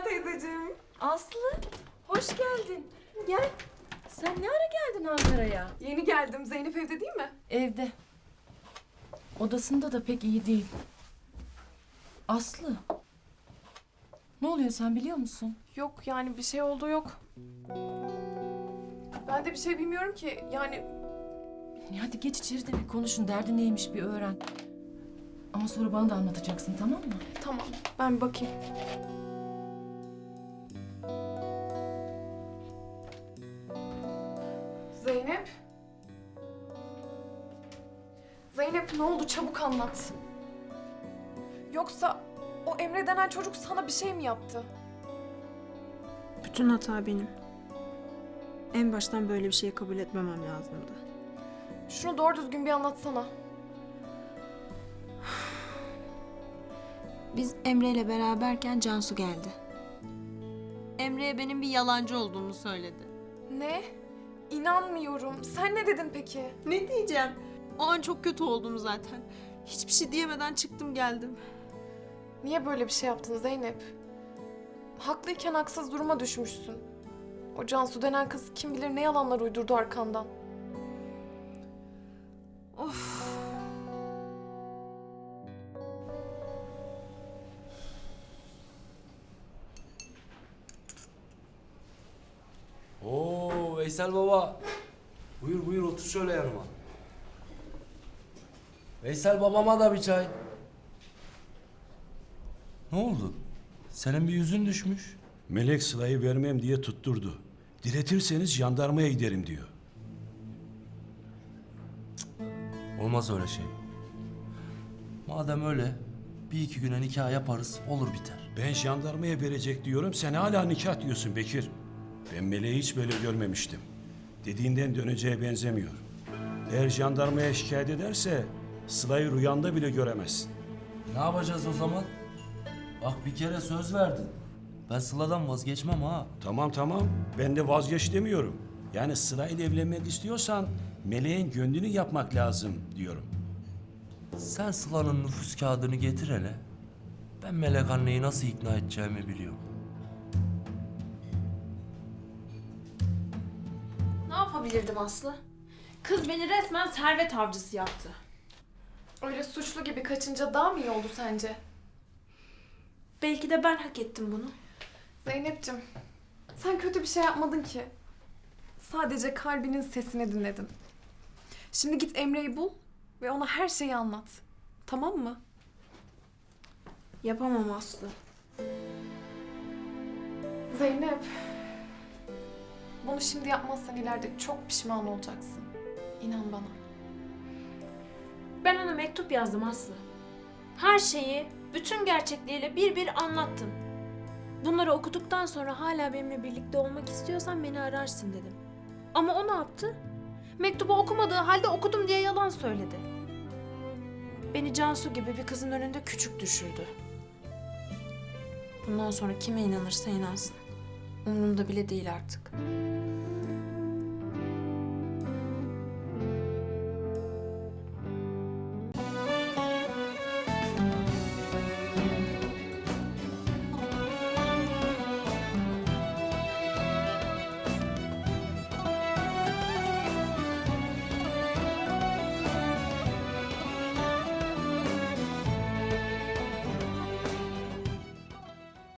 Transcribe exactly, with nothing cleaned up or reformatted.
teyzeciğim. Aslı, hoş geldin. Gel. Sen ne ara geldin Ankara'ya? Yeni geldim. Zeynep evde değil mi? Evde. Odasında da pek iyi değil. Aslı. Ne oluyor sen biliyor musun? Yok yani bir şey olduğu yok. Ben de bir şey bilmiyorum ki. Yani Ya hadi geç içeri de bir konuşun. Derdi neymiş bir öğren. Ama sonra bana da anlatacaksın, tamam mı? tamam ben bir bakayım. Zeynep. Zeynep ne oldu? Çabuk anlat. Yoksa o Emre denen çocuk sana bir şey mi yaptı? Bütün hata benim. En baştan böyle bir şeyi kabul etmemem lazımdı. Şunu doğru düzgün bir anlatsana. Biz Emre ile beraberken Cansu geldi. Emre'ye benim bir yalancı olduğumu söyledi. Ne? İnanmıyorum. Sen ne dedin peki? Ne diyeceğim? O an çok kötü oldum zaten. Hiçbir şey diyemeden çıktım geldim. Niye böyle bir şey yaptın Zeynep? Haklıyken haksız duruma düşmüşsün. O Cansu denen kız kim bilir ne yalanlar uydurdu arkandan. Of. Oo Veysel baba. Buyur buyur otur şöyle yanıma. Veysel babama da bir çay. Ne oldu? Senin bir yüzün düşmüş. Melek Sıla'yı vermem diye tutturdu. Diretirseniz jandarmaya giderim diyor. Olmaz öyle şey. Madem öyle bir iki güne nikah yaparız olur biter. Ben jandarmaya verecek diyorum, sen hala nikah diyorsun Bekir. Ben Melek'i hiç böyle görmemiştim. Dediğinden döneceğe benzemiyor. Eğer jandarmaya şikayet ederse Sıla'yı rüyanda bile göremezsin. Ne yapacağız o zaman? Bak bir kere söz verdin. Ben Sıla'dan vazgeçmem ha. Tamam tamam, ben de vazgeç demiyorum. Yani Sıla'yla evlenmek istiyorsan Melek'in gönlünü yapmak lazım diyorum. Sen Sıla'nın nüfus kağıdını getir hele. Ben Melek anneyi nasıl ikna edeceğimi biliyorum. Ne yapabilirdim Aslı? Kız beni resmen servet avcısı yaptı. Öyle suçlu gibi kaçınca daha mı iyi oldu sence? Belki de ben hak ettim bunu. Zeynep'ciğim, sen kötü bir şey yapmadın ki. Sadece kalbinin sesini dinledin. Şimdi git Emre'yi bul ve ona her şeyi anlat. Tamam mı? Yapamam Aslı. Zeynep, bunu şimdi yapmazsan ileride çok pişman olacaksın. İnan bana. Ben ona mektup yazdım Aslı. Her şeyi bütün gerçekliğiyle bir bir anlattım. Bunları okuduktan sonra hala benimle birlikte olmak istiyorsan beni ararsın dedim. Ama o ne yaptı? Mektubu okumadığı halde okudum diye yalan söyledi. Beni Cansu gibi bir kızın önünde küçük düşürdü. Bundan sonra kime inanırsa inansın. Umurumda bile değil artık.